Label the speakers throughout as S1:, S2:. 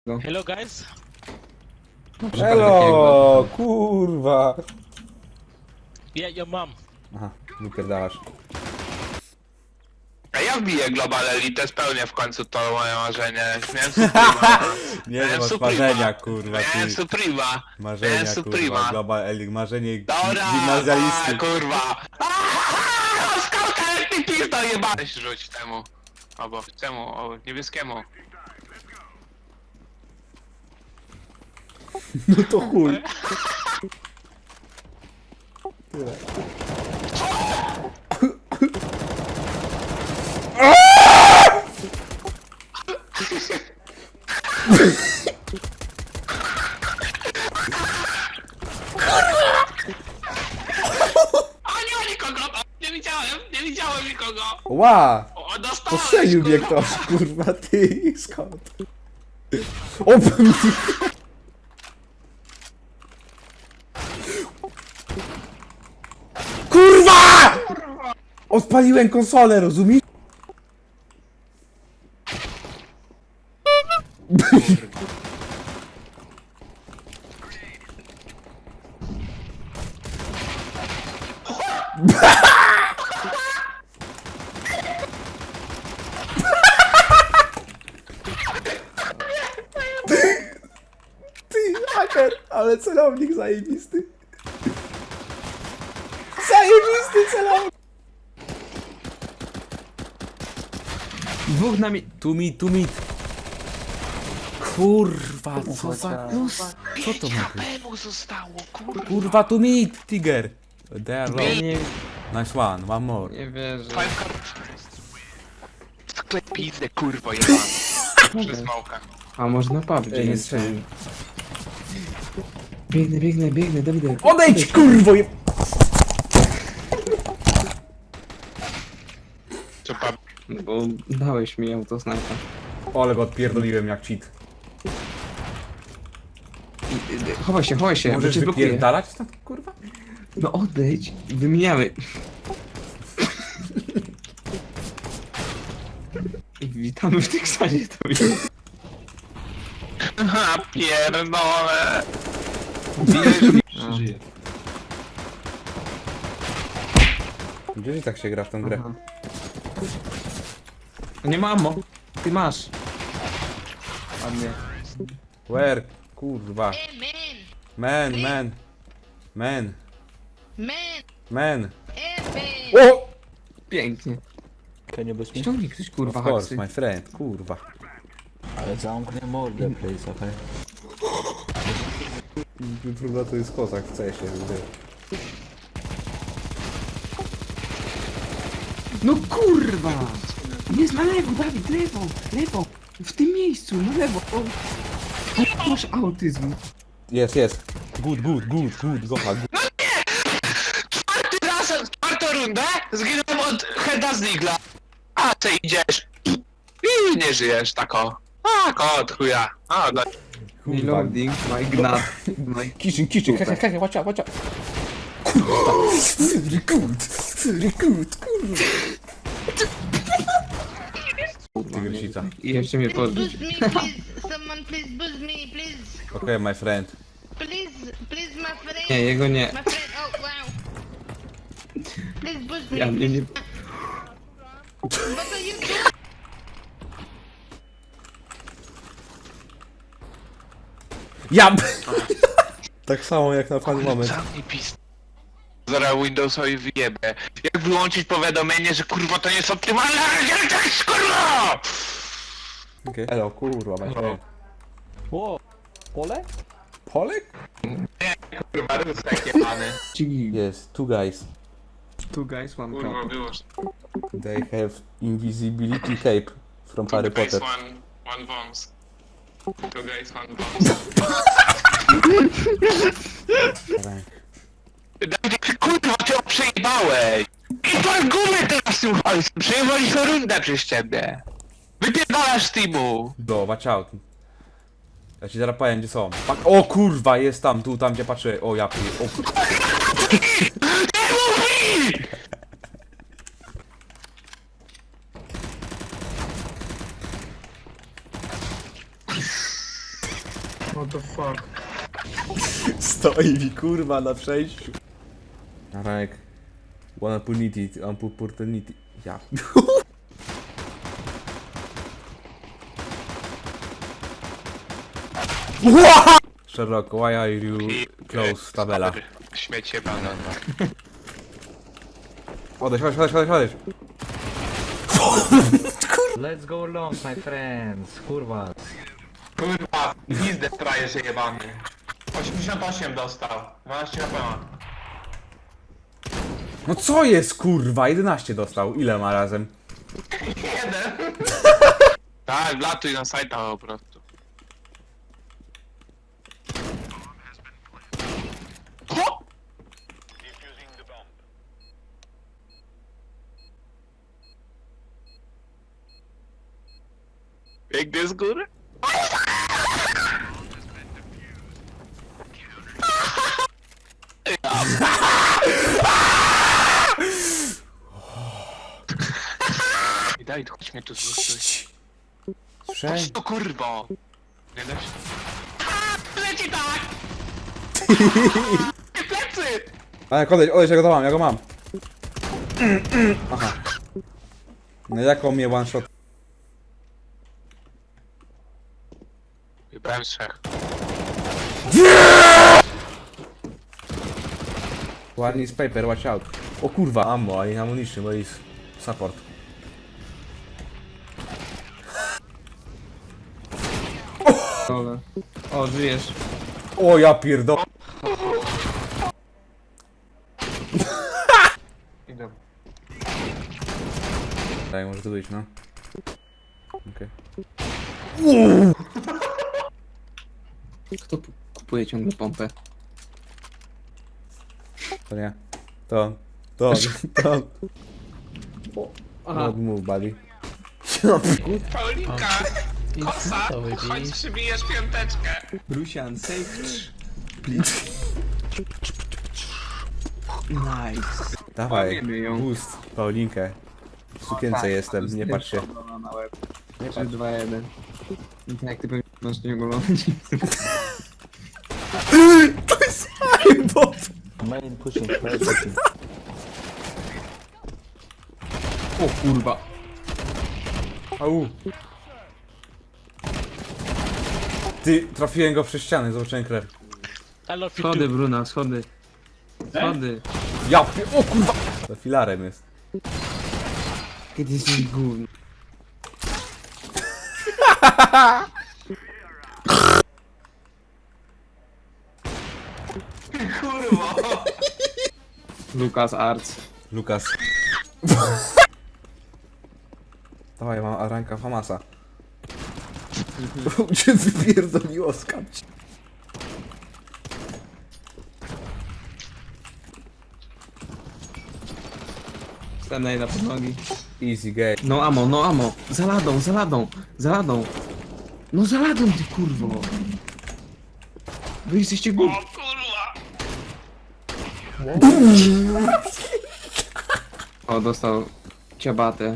S1: Hello guys.
S2: Elo, kurwa.
S1: Yeah, your mom.
S2: Aha, wypierdalasz.
S3: A ja wbiję Global Elite, spełnię w końcu to moje marzenie. Miałem Suprema.
S2: Nie no, masz marzenia, kurwa,
S3: Miałem
S2: ty.
S3: Suprema.
S2: Marzenia,
S3: Miałem
S2: kurwa,
S3: Suprema.
S2: Global Elite, marzenie
S3: Dobra,
S2: gimnazjalisty.
S3: kurwa. Skałka jak ty pizda jeba. Weź rzuć temu. Albo temu, o niebieskiemu.
S2: No to chuj. Tyle.
S3: A nie ma nikogo! Nie widziałem nikogo!
S2: Ła!
S3: O, dostałeś,
S2: Postrzelił mnie
S3: kurwa.
S2: ktoś, kurwa, ty, skąd? O, kurwa! Odpaliłem konsolę, rozumiesz? Ty, haker, ale celownik zajebisty. Zajebisty celownik.
S4: Dwóch na mi...
S2: Tu mit. Kurwa, co za... Co to ma być?
S3: Mu zostało, kurwa.
S2: Kurwa, tu mit, Tiger. They are low.
S4: Nie,
S2: Nice one more.
S4: nie wierzę.
S3: Sklep pizdę, kurwa, jeba. Przez małkę.
S4: A może na PUBG?
S2: Nie strzelił.
S4: Biegnę, Dawidek.
S2: Odejdź, kurwo!
S3: Co pa...
S4: No bo dałeś mi autosnajpa.
S2: Ale go odpierdoliłem jak cheat.
S4: Chowaj się, bo
S2: Możesz
S4: cię blokuje.
S2: wypierdalać stąd, kurwa?
S4: No odejdź, wymieniamy. Witamy w Teksasie, to jest.
S3: Ha, pierdolę.
S4: Żyje.
S2: Gdzie tak się gra w tę grę?
S4: Aha. Nie ma ammo. Ty masz. Ładnie.
S2: Where? Kurwa.
S5: Hey
S2: Man.
S5: man, man, hey man.
S2: O!
S4: Pięknie.
S6: Can you boost me?
S4: Ściągnij ktoś kurwa
S2: Of course,
S4: haksy.
S2: my friend, kurwa.
S6: Ale zamknę mordę, please, okej?
S2: Trudno to jest kozak w CS-ie.
S4: No kurwa! Jest na lewo, Dawid, lewo! W tym miejscu, na lewo! O. Masz autyzm.
S2: Jest. Good, gocha, good.
S3: Czwartą rundę zginąłem od heada z Nigla. A ty idziesz. I nie żyjesz, tako. A, kot, chuja. A, no.
S2: Kurwa.
S4: Reloading, my gnat. My...
S2: Kitchen, hej, watch out. Kurwa. Very good, kurwa. Tygrysica.
S4: I jeszcze mnie
S5: Please
S4: podbić.
S5: boost me, please. Someone please boost me, please.
S2: Okay, my friend.
S5: Please, my friend.
S4: Nie, jego nie.
S5: My friend, oh wow. Please boost me.
S4: Ja mnie nie...
S5: What are you doing?
S2: Ja! Tak samo jak na fan moment.
S3: Zamknij pis. Zaraz Windowsowi wyjebę. Jak wyłączyć powiadomienie, że kurwa to nie jest optymalne, ale tak kurwa!
S2: Okay. Elo, kurwa, my friend.
S6: Ło! Pole?
S2: Polek?
S3: Kurwa, rusek jebany.
S4: Cigi.
S2: Yes, two guys.
S4: Two guys, one
S3: Kurwa,
S4: cup.
S3: wyłącz.
S2: They have invisibility tape from Harry
S3: Two guys,
S2: Potter.
S3: one bombs. Two guys, one bombs. Dawid, kurwa, ty ją przejebałeś! I pan gumy teraz tym hajsem! Przejebaliśmy rundę przez ciebie! Wypierdalasz z teamu!
S2: Do, watch out. Ja ci zaraz powiem, gdzie są. O kurwa, jest tam, tu, tam gdzie patrzę. O ja pier... O,
S3: Nie mówi!
S4: What the fuck?
S2: Stoi mi kurwa na przejściu. Arek. One opportunity, opportunity. Ja. Sherlock, why are you close tabela?
S3: Śmiecie banan.
S2: Odejdź, odejdź.
S6: Let's go long, my friends. Kurwa.
S3: Kurwa, pizdę frajerze jebany. 88 dostał. 12 HP.
S2: No co jest kurwa? 11 dostał. Ile ma razem?
S3: Jeden. Tak, wlatuj na sajta po prostu. Ho! Biegnie z góry? I daj, chodź mnie tu zrzucić.
S2: Słyszę?
S3: Chodź to kurwo! Nie da się. Leci tak! Plecy!
S2: Arek, odejdź, ja go mam. Aha. No jaką mnie one shot?
S3: Wybrałem trzech.
S2: One is paper, watch out. O kurwa, ammo, i ammunition, bo jest support.
S4: Dole. O, żyjesz.
S2: O ja pierdolę.
S3: Idę.
S2: Tak, może to być, no. Okej.
S4: Kto kupuje ciągle pompę?
S2: To nie. To.
S4: Aha.
S2: Not move, buddy.
S3: Paulinka! Kosa! Chodź przybijesz piąteczkę!
S4: Rusian, save. Please. Nice.
S2: Dawaj,
S4: Mamy ją.
S2: boost, Paulinkę. W sukience jestem, nie patrz się.
S4: Na łeb.
S2: Nie
S4: 3,
S2: patrz.
S4: 2, 1. I tak jak ty pewnie masz nie ogolony.
S2: To jest aimbot!
S6: Main pushing, main pushing.
S4: O kurwa.
S2: Au. Ty, trafiłem go przez ścianę, zobaczyłem krew.
S1: I love you
S4: Schody,
S1: too.
S4: Bruna, schody. Schody.
S2: O kurwa! Za filarem jest.
S4: Kiedy jesteś gówno.
S3: Kurwa!
S4: Lukas Arts.
S2: Lukas. Dawaj, mam ranka Famasa. Cię wypierdoliło skapć.
S4: Stanę na podnogi.
S2: Easy game.
S4: No amo, no amo. Za ladą, za ladą, za ladą. No za ladą ty kurwo. Wy jesteście głupi.
S3: O kurwa!
S4: O, dostał ciabatę.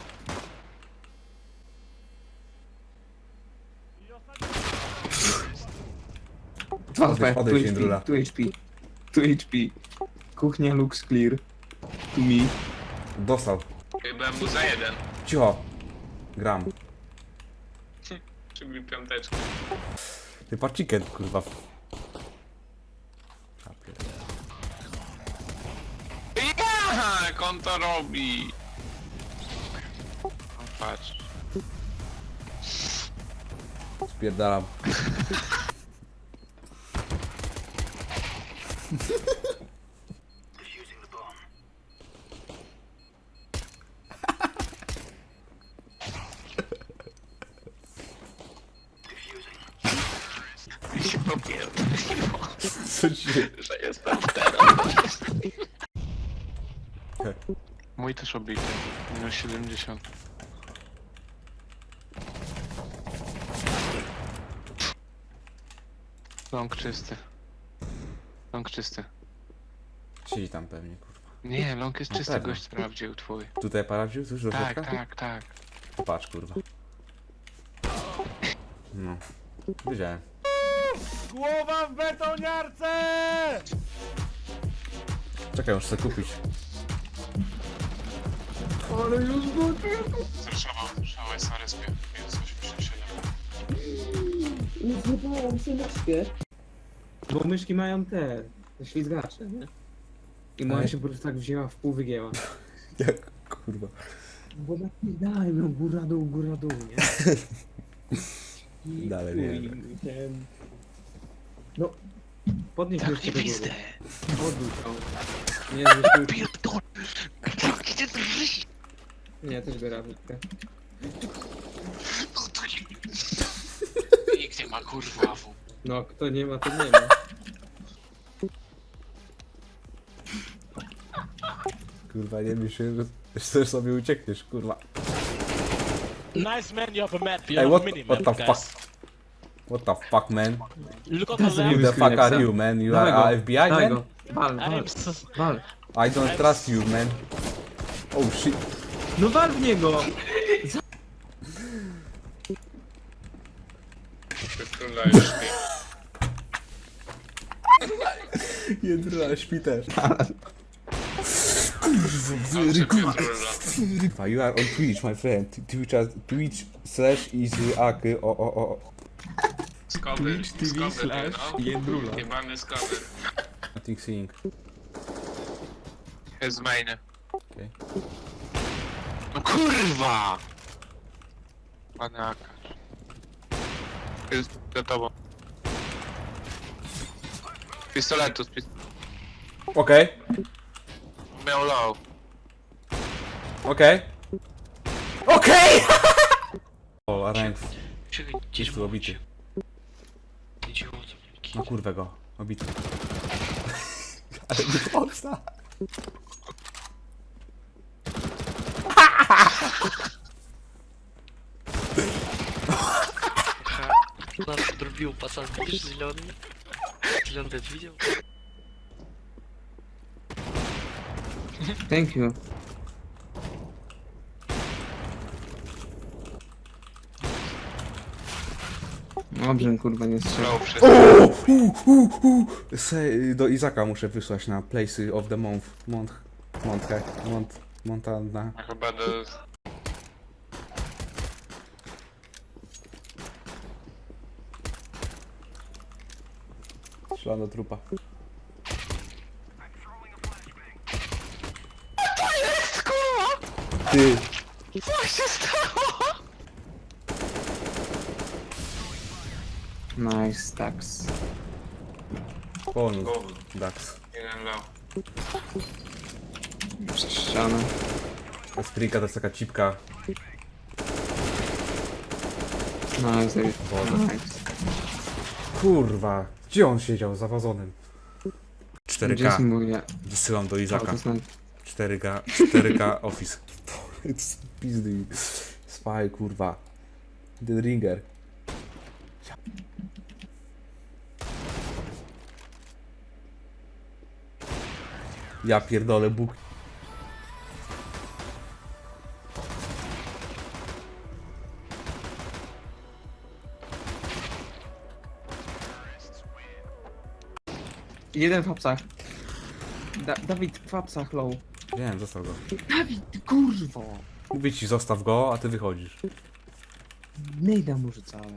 S4: Dwa
S2: Odejdź,
S4: HP, tu
S2: odejdź,
S4: HP,
S2: Jędrula.
S4: tu HP, tu HP. Kuchnia looks clear. To me.
S2: Dostał.
S3: Byłem mu za jeden.
S2: Cicho. Gram.
S3: Przybił piąteczkę.
S2: Ty patrz chicken, kurwa. Ja pierdolę.
S3: Jak on to robi? Patrz.
S2: Spierdalam.
S3: I się popierdoliło,
S2: Co ci się...
S3: że jestem teraz.
S2: Okej.
S3: Mój też obity. Minus 70. Long czysty. Long czysty.
S2: Siedzi tam pewnie, kurwa.
S3: Nie, long jest
S2: Na
S3: czysty,
S2: pewno.
S3: gość sprawdził twój.
S2: Tutaj paradził? Cóż, do
S3: Tak,
S2: środka?
S3: tak, tak.
S2: Patrz, kurwa. No. Wiedziałem. Głowa w betoniarce! Czekaj, muszę sobie kupić.
S4: Ale już go
S3: Zresztą jest na respie. Minus 87.
S4: nie zjebałam się myszkę. Bo myszki mają te ślizgacze, nie? I moja
S2: Ej.
S4: się po prostu tak wzięła, w pół wygięła.
S2: Jak kurwa.
S4: Bo napierdalaj no góra dół, nie? I
S2: Dalej
S4: chuj,
S2: nie
S4: ten- No, podnieś myszkę do góry. Odwróć ją. Nie, nie, też biorę myszkę.
S3: Nikt nie ma kurwa w.
S4: No, kto nie ma, to nie ma.
S2: Kurwa, nie myślę, że sobie uciekniesz, kurwa.
S1: Nice man, you have a map. You
S2: Hey,
S1: have a
S2: what
S1: mini
S2: the
S1: map,
S2: fuck?
S1: guys.
S2: What the fuck, man?
S1: Look on
S4: That's
S1: the
S4: a
S2: Who
S1: left.
S2: the fuck are
S4: Screenexa.
S2: you, man? You
S4: Dawaj
S2: are
S4: go,
S2: FBI,
S4: dawaj
S2: man?
S4: go. Wal,
S1: I
S4: wal,
S1: am s-
S4: wal.
S2: I don't trust you, man. Oh shit.
S4: No wal w niego!
S2: Jędrula, śpi też. Kurwa, you are on Twitch, my friend. Twitch slash is aky, o.
S3: Twitch TV /
S4: Jędrula.
S3: Jebany skowy.
S2: Nothing seeing.
S3: Jest main.
S2: Okej.
S3: No kurwa! Panie Akasz. Jest za tobą. Pistoletu,
S2: Okej,
S3: miał low.
S2: okej. Okej! O, rank. Jest tu obity. No kurwę go, obity. Ale nie posta.
S7: Нас подрубил пацан, видишь, зеленый? Зеленый ты видел?
S4: Thank you. Dobrze, kurwa, nie strzelał.
S3: Low przez...
S2: Do Izaka muszę wysłać na Places of the Month. Montana.
S3: Chyba do...
S2: Strzelam do trupa. Ty!
S4: Nice, tax.
S2: Bonus. Dax.
S3: Jeden low.
S4: Przez ścianę.
S2: Sprika to jest taka cipka.
S4: Nice,
S2: Woda.
S4: nice.
S2: Kurwa, gdzie on siedział za wazonem?
S4: Gdzie jest
S2: 4K.
S4: mój
S2: Wysyłam do Izaka.
S4: autosnipe?
S2: 4K Office. Pizdy. Spy, kurwa. The Ringer. Ja pierdolę, Bóg.
S4: Jeden w apsach. Dawid w apsach low.
S2: Wiem, zostaw go.
S4: Dawid, kurwo!
S2: Mówię ci, zostaw go, a ty wychodzisz.
S4: Nejda mu rzucałem.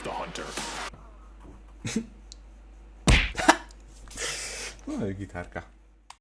S2: No i gitarka.